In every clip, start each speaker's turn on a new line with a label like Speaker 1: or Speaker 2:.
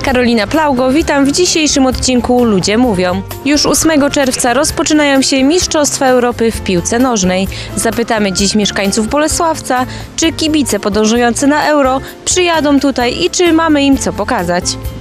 Speaker 1: Karolina Plaugo, witam w dzisiejszym odcinku Ludzie Mówią. Już 8 czerwca rozpoczynają się Mistrzostwa Europy w piłce nożnej. Zapytamy dziś mieszkańców Bolesławca, czy kibice podążający na Euro przyjadą tutaj i czy mamy im co pokazać.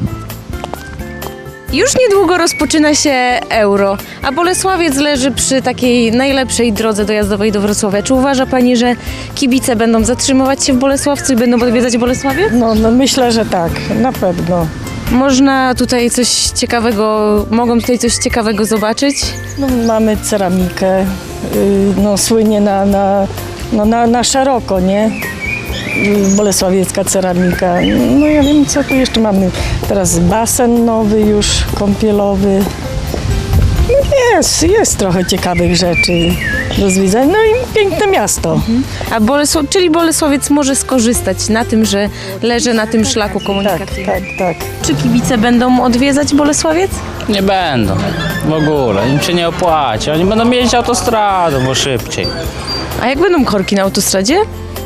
Speaker 1: Już niedługo rozpoczyna się Euro, a Bolesławiec leży przy takiej najlepszej drodze dojazdowej do Wrocławia. Czy uważa Pani, że kibice będą zatrzymywać się w Bolesławcu i będą odwiedzać Bolesławiec?
Speaker 2: No myślę, że tak, na pewno.
Speaker 1: Można tutaj coś ciekawego, mogą tutaj coś ciekawego zobaczyć?
Speaker 2: No, mamy ceramikę, słynie na szeroko, nie? Bolesławiecka ceramika. No ja wiem, co tu jeszcze mamy. Teraz basen nowy już, kąpielowy. No jest trochę ciekawych rzeczy do zwiedzania. No i piękne miasto.
Speaker 1: A czyli Bolesławiec może skorzystać na tym, że leży na tym szlaku komunikacyjnym.
Speaker 2: Tak.
Speaker 1: Czy kibice będą odwiedzać Bolesławiec?
Speaker 3: Nie będą. W ogóle. Im się nie opłaci. Oni będą jeździć autostradą, bo szybciej.
Speaker 1: A jak będą korki na autostradzie?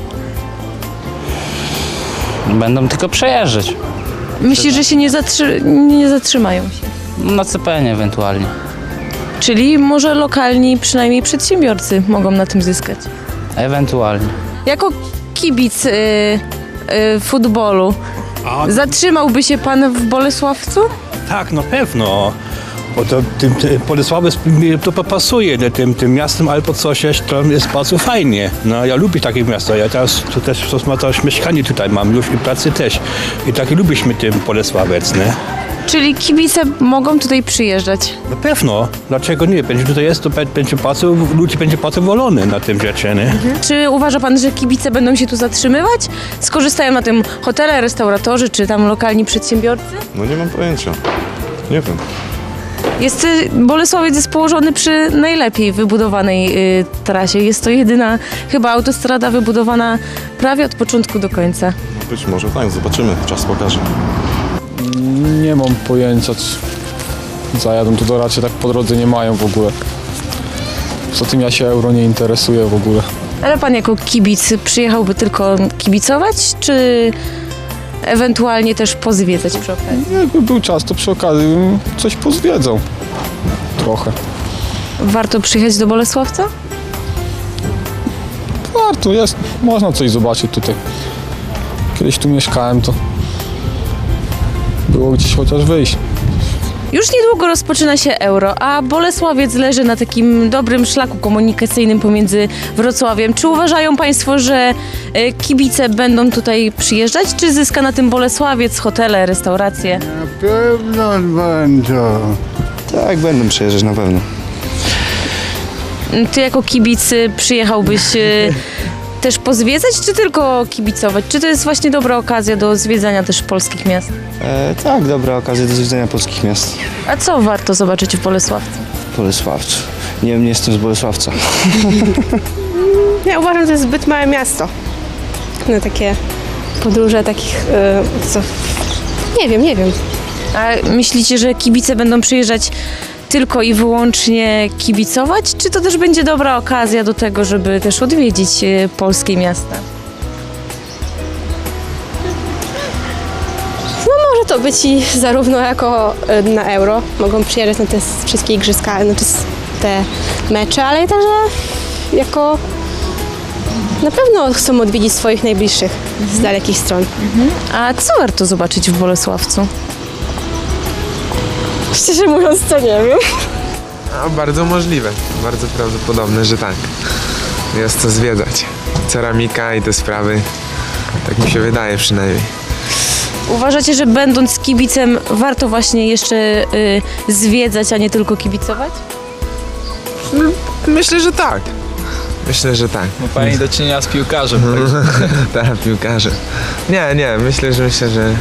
Speaker 3: Będą tylko przejeżdżać.
Speaker 1: Myślisz, że się nie zatrzymają się?
Speaker 3: Na CPN ewentualnie.
Speaker 1: Czyli może lokalni, przynajmniej przedsiębiorcy mogą na tym zyskać.
Speaker 3: Ewentualnie.
Speaker 1: Jako kibic futbolu, zatrzymałby się pan w Bolesławcu?
Speaker 4: Tak, no pewno. Bo to Bolesławiec to pasuje tym miastem albo coś, to jest bardzo fajnie. No ja lubię takie miasto. Ja teraz to też mieszkanie tutaj mam już i pracy też. I tak lubimy tym Bolesławiec, nie?
Speaker 1: Czyli kibice mogą tutaj przyjeżdżać?
Speaker 4: No pewno. Dlaczego nie? Będzie tutaj jest, to będzie bardzo, ludzie będzie bardzo wolony na tym rzeczy, nie?
Speaker 1: Czy uważa pan, że kibice będą się tu zatrzymywać? Skorzystają na tym hotele, restauratorzy czy tam lokalni przedsiębiorcy?
Speaker 5: No nie mam pojęcia. Nie wiem.
Speaker 1: Bolesławiec jest położony przy najlepiej wybudowanej trasie. Jest to jedyna chyba autostrada wybudowana prawie od początku do końca.
Speaker 5: Być może tak, zobaczymy, czas pokaże.
Speaker 6: Nie mam pojęcia, czy zajadą tu, to raczej tak po drodze nie mają w ogóle. Poza tym ja się Euro nie interesuję w ogóle.
Speaker 1: Ale pan jako kibic przyjechałby tylko kibicować, czy ewentualnie też pozwiedzać przy okazji?
Speaker 6: Jakby był czas, to przy okazji bym coś pozwiedzał. Trochę.
Speaker 1: Warto przyjechać do Bolesławca?
Speaker 6: Warto jest, można coś zobaczyć tutaj. Kiedyś tu mieszkałem, to było gdzieś chociaż wyjść.
Speaker 1: Już niedługo rozpoczyna się Euro, a Bolesławiec leży na takim dobrym szlaku komunikacyjnym pomiędzy Wrocławiem. Czy uważają państwo, że kibice będą tutaj przyjeżdżać, czy zyska na tym Bolesławiec, hotele, restauracje?
Speaker 7: Na pewno będą.
Speaker 5: Tak, będą przejeżdżać na pewno.
Speaker 1: Ty jako kibic przyjechałbyś też pozwiedzać, czy tylko kibicować? Czy to jest właśnie dobra okazja do zwiedzania też polskich miast?
Speaker 5: Tak, dobra okazja do zwiedzania polskich miast.
Speaker 1: A co warto zobaczyć w Bolesławcu?
Speaker 5: Bolesławcu. Nie wiem, nie jestem z Bolesławca.
Speaker 8: Ja uważam, że to jest zbyt małe miasto na takie podróże takich, nie wiem.
Speaker 1: A myślicie, że kibice będą przyjeżdżać tylko i wyłącznie kibicować, czy to też będzie dobra okazja do tego, żeby też odwiedzić polskie miasta?
Speaker 8: No może to być i zarówno jako na Euro, mogą przyjeżdżać na te wszystkie igrzyska, te mecze, ale także jako na pewno chcą odwiedzić swoich najbliższych z dalekich stron.
Speaker 1: A co warto zobaczyć w Bolesławcu?
Speaker 8: Szczerze mówiąc, to nie wiem.
Speaker 9: Bardzo możliwe, bardzo prawdopodobne, że tak. Jest co zwiedzać. Ceramika i te sprawy, tak mi się wydaje przynajmniej.
Speaker 1: Uważacie, że będąc kibicem warto właśnie jeszcze zwiedzać, a nie tylko kibicować?
Speaker 9: Myślę, że tak. Myślę, że tak.
Speaker 3: Ma pani do czynienia z piłkarzem.
Speaker 9: Tak, piłkarze. Nie, myślę, że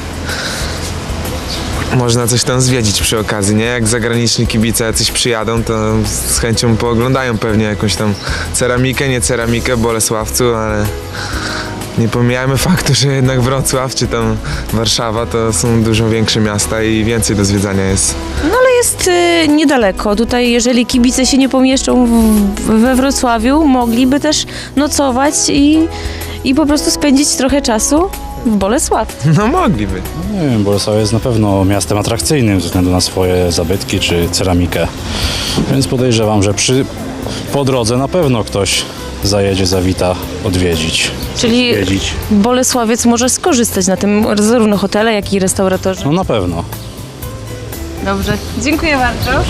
Speaker 9: można coś tam zwiedzić przy okazji, nie? Jak zagraniczni kibice jacyś przyjadą, to z chęcią pooglądają pewnie jakąś tam ceramikę, nie ceramikę w Bolesławcu, ale nie pomijajmy faktu, że jednak Wrocław czy tam Warszawa to są dużo większe miasta i więcej do zwiedzania jest.
Speaker 1: No ale jest niedaleko. Tutaj jeżeli kibice się nie pomieszczą we Wrocławiu, mogliby też nocować i po prostu spędzić trochę czasu w Bolesławcu.
Speaker 9: No mogliby.
Speaker 10: Nie wiem, Bolesław jest na pewno miastem atrakcyjnym ze względu na swoje zabytki czy ceramikę. Więc podejrzewam, że po drodze na pewno ktoś zajedzie, zawita odwiedzić.
Speaker 1: Czyli
Speaker 10: Zwiedzić.
Speaker 1: Bolesławiec może skorzystać na tym zarówno hotele, jak i restauratorzy.
Speaker 10: No na pewno.
Speaker 1: Dobrze, dziękuję bardzo.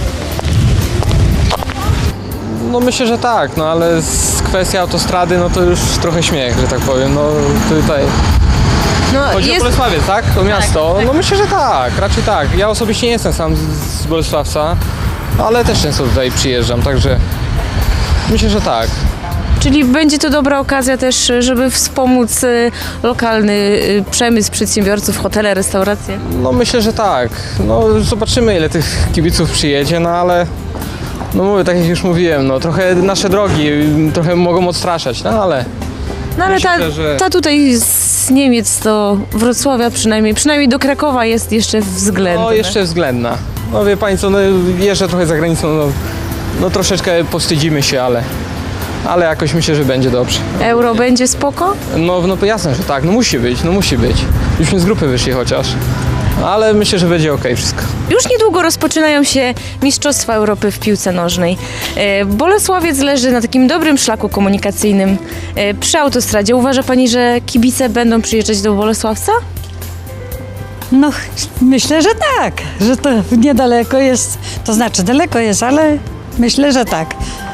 Speaker 11: No myślę, że tak, no ale kwestia autostrady, no to już trochę śmiech, że tak powiem, no tutaj
Speaker 1: No,
Speaker 11: chodzi o Bolesławiec, tak? To miasto, no myślę, że tak, raczej tak. Ja osobiście nie jestem sam z Bolesławca, ale też często tutaj przyjeżdżam, także myślę, że tak.
Speaker 1: Czyli będzie to dobra okazja też, żeby wspomóc lokalny przemysł przedsiębiorców, hotele, restauracje.
Speaker 11: No myślę, że tak. No zobaczymy, ile tych kibiców przyjedzie, no ale no mówię, tak jak już mówiłem, no trochę nasze drogi trochę mogą odstraszać, no ale
Speaker 1: No ale
Speaker 11: myślę, że...
Speaker 1: ta tutaj z Niemiec do Wrocławia przynajmniej do Krakowa jest jeszcze względna.
Speaker 11: No jeszcze względna. No wie pani co, no jeżdżę trochę za granicą, no troszeczkę powstydzimy się, ale jakoś myślę, że będzie dobrze.
Speaker 1: Euro będzie spoko?
Speaker 11: No jasne, że tak, no musi być. Byśmy z grupy wyszli chociaż. Ale myślę, że będzie okej wszystko.
Speaker 1: Już niedługo rozpoczynają się Mistrzostwa Europy w piłce nożnej. Bolesławiec leży na takim dobrym szlaku komunikacyjnym przy autostradzie. Uważa pani, że kibice będą przyjeżdżać do Bolesławca?
Speaker 2: No, myślę, że tak, że to niedaleko jest, to znaczy daleko jest, ale myślę, że tak.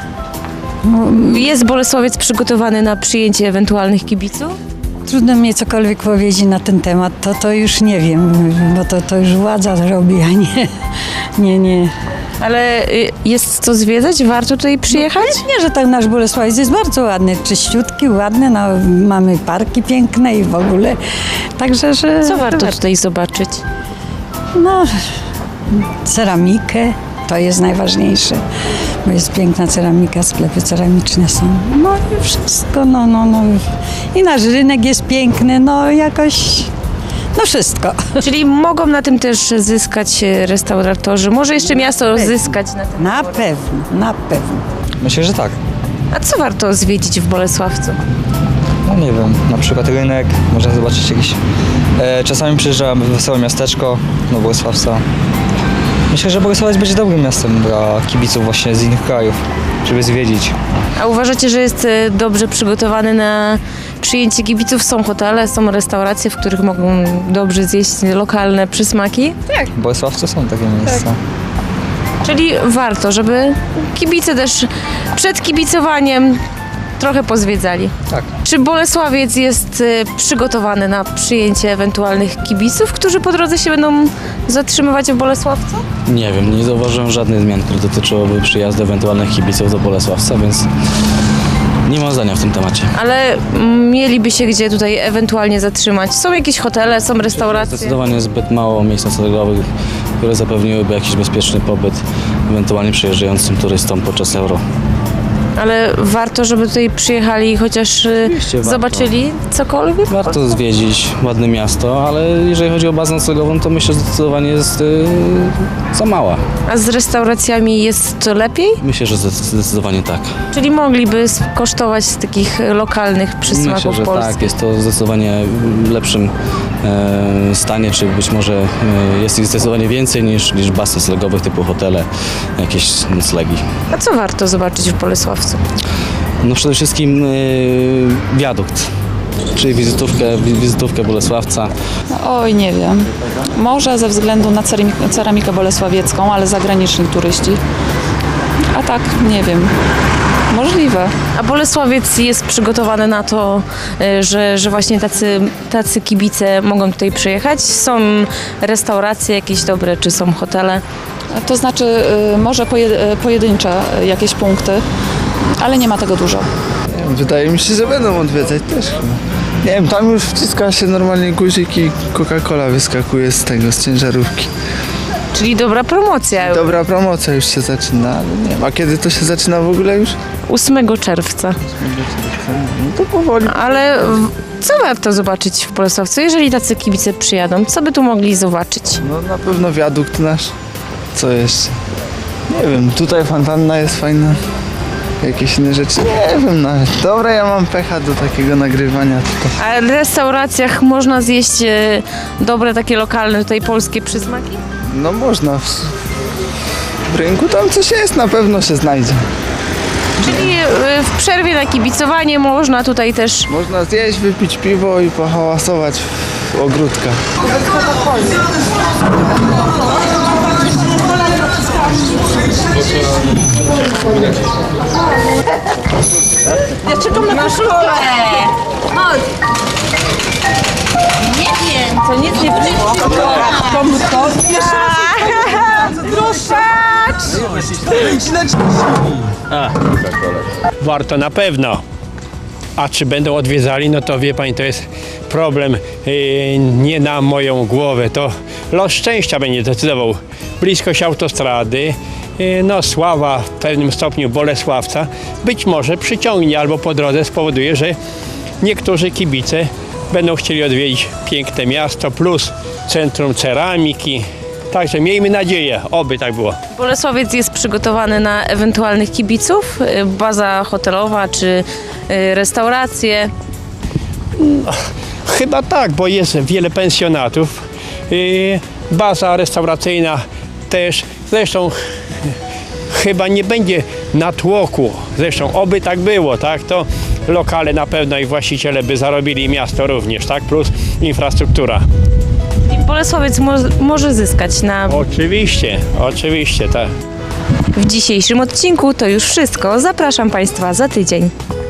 Speaker 1: Jest Bolesławiec przygotowany na przyjęcie ewentualnych kibiców?
Speaker 2: Trudno mi cokolwiek powiedzieć na ten temat, to już nie wiem, bo to już władza robi, a nie.
Speaker 1: Ale jest co zwiedzać? Warto tutaj przyjechać?
Speaker 2: Nie, że tak nasz Bolesławiec jest bardzo ładny, czyściutki, ładny, no, mamy parki piękne i w ogóle, także, że...
Speaker 1: Co warto tutaj zobaczyć?
Speaker 2: No, ceramikę, to jest najważniejsze, bo jest piękna ceramika, sklepy ceramiczne są, no i wszystko, no. I nasz rynek jest piękny, no jakoś, no wszystko.
Speaker 1: Czyli mogą na tym też zyskać restauratorzy, może jeszcze miasto zyskać na tym.
Speaker 2: Na pewno.
Speaker 12: Myślę, że tak.
Speaker 1: A co warto zwiedzić w Bolesławcu?
Speaker 12: No nie wiem, na przykład rynek, można zobaczyć jakieś... czasami przyjeżdżam w wesołe miasteczko do Bolesławca. Myślę, że Bolesławiec będzie dobrym miastem dla kibiców właśnie z innych krajów, żeby zwiedzić.
Speaker 1: A uważacie, że jest dobrze przygotowany na przyjęcie kibiców? Są hotele, są restauracje, w których mogą dobrze zjeść lokalne przysmaki? Tak.
Speaker 12: W Bolesławcu są takie miejsca.
Speaker 1: Czyli warto, żeby kibice też przed kibicowaniem trochę pozwiedzali.
Speaker 12: Tak.
Speaker 1: Czy Bolesławiec jest przygotowany na przyjęcie ewentualnych kibiców, którzy po drodze się będą zatrzymywać w Bolesławcu?
Speaker 3: Nie wiem, nie zauważyłem żadnych zmian, które dotyczyłyby przyjazdu ewentualnych kibiców do Bolesławca, więc nie mam zdania w tym temacie.
Speaker 1: Ale mieliby się gdzie tutaj ewentualnie zatrzymać. Są jakieś hotele, są restauracje?
Speaker 3: Zdecydowanie zbyt mało miejsc noclegowych, które zapewniłyby jakiś bezpieczny pobyt ewentualnie przyjeżdżającym turystom podczas Euro.
Speaker 1: Ale warto, żeby tutaj przyjechali i chociaż zobaczyli cokolwiek?
Speaker 3: Warto zwiedzić ładne miasto, ale jeżeli chodzi o bazę noclegową, to myślę, że zdecydowanie jest za mała.
Speaker 1: A z restauracjami jest lepiej?
Speaker 3: Myślę, że zdecydowanie tak.
Speaker 1: Czyli mogliby skosztować z takich lokalnych przysmaków
Speaker 3: Myślę, że
Speaker 1: polskich?
Speaker 3: tak, jest to zdecydowanie w lepszym stanie, czy być może jest ich zdecydowanie więcej niż baz noclegowych typu hotele, jakieś noclegi.
Speaker 1: A co warto zobaczyć w Bolesławcu?
Speaker 3: No przede wszystkim wiadukt, czyli wizytówkę Bolesławca.
Speaker 13: Oj, nie wiem. Może ze względu na ceramikę bolesławiecką, ale zagraniczni turyści. A tak, nie wiem. Możliwe.
Speaker 1: A Bolesławiec jest przygotowany na to, że właśnie tacy kibice mogą tutaj przyjechać? Są restauracje jakieś dobre, czy są hotele?
Speaker 13: To znaczy może pojedyncze jakieś punkty, ale nie ma tego dużo.
Speaker 14: Wydaje mi się, że będą odwiedzać też. Nie wiem, tam już wciska się normalnie guzik i Coca-Cola wyskakuje z ciężarówki.
Speaker 1: Czyli dobra promocja.
Speaker 14: Dobra promocja już się zaczyna, ale nie wiem. A kiedy to się zaczyna w ogóle już?
Speaker 1: 8 czerwca.
Speaker 14: No to powoli.
Speaker 1: Ale co warto zobaczyć w Bolesławcu, jeżeli tacy kibice przyjadą? Co by tu mogli zobaczyć?
Speaker 14: No na pewno wiadukt nasz. Co jeszcze? Nie wiem, tutaj fontanna jest fajna. jakieś inne rzeczy. Nie wiem nawet. Dobra, ja mam pecha do takiego nagrywania tutaj.
Speaker 1: A w restauracjach można zjeść dobre takie lokalne tutaj polskie przysmaki?
Speaker 14: No można. W rynku tam coś jest, na pewno się znajdzie.
Speaker 1: Czyli w przerwie na kibicowanie można tutaj też...
Speaker 14: Można zjeść, wypić piwo i pohałasować w ogródkach.
Speaker 1: Ja czekam na koszulkę! Chodź! Nie wiem, co nic nie było. To jeszcze
Speaker 15: Warto na pewno. A czy będą odwiedzali, no to wie pani, to jest problem nie na moją głowę. To los szczęścia będzie decydował. Bliskość autostrady, no sława w pewnym stopniu Bolesławca być może przyciągnie albo po drodze spowoduje, że niektórzy kibice będą chcieli odwiedzić piękne miasto plus centrum ceramiki. Także miejmy nadzieję, oby tak było.
Speaker 1: Bolesławiec jest przygotowany na ewentualnych kibiców? Baza hotelowa czy restauracje?
Speaker 15: No, chyba tak, bo jest wiele pensjonatów. Baza restauracyjna też. Zresztą chyba nie będzie natłoku. Zresztą oby tak było, tak? To lokale na pewno i właściciele by zarobili, miasto również, tak? Plus infrastruktura.
Speaker 1: I Bolesławiec może zyskać na...
Speaker 15: Oczywiście, tak.
Speaker 1: W dzisiejszym odcinku to już wszystko. Zapraszam Państwa za tydzień.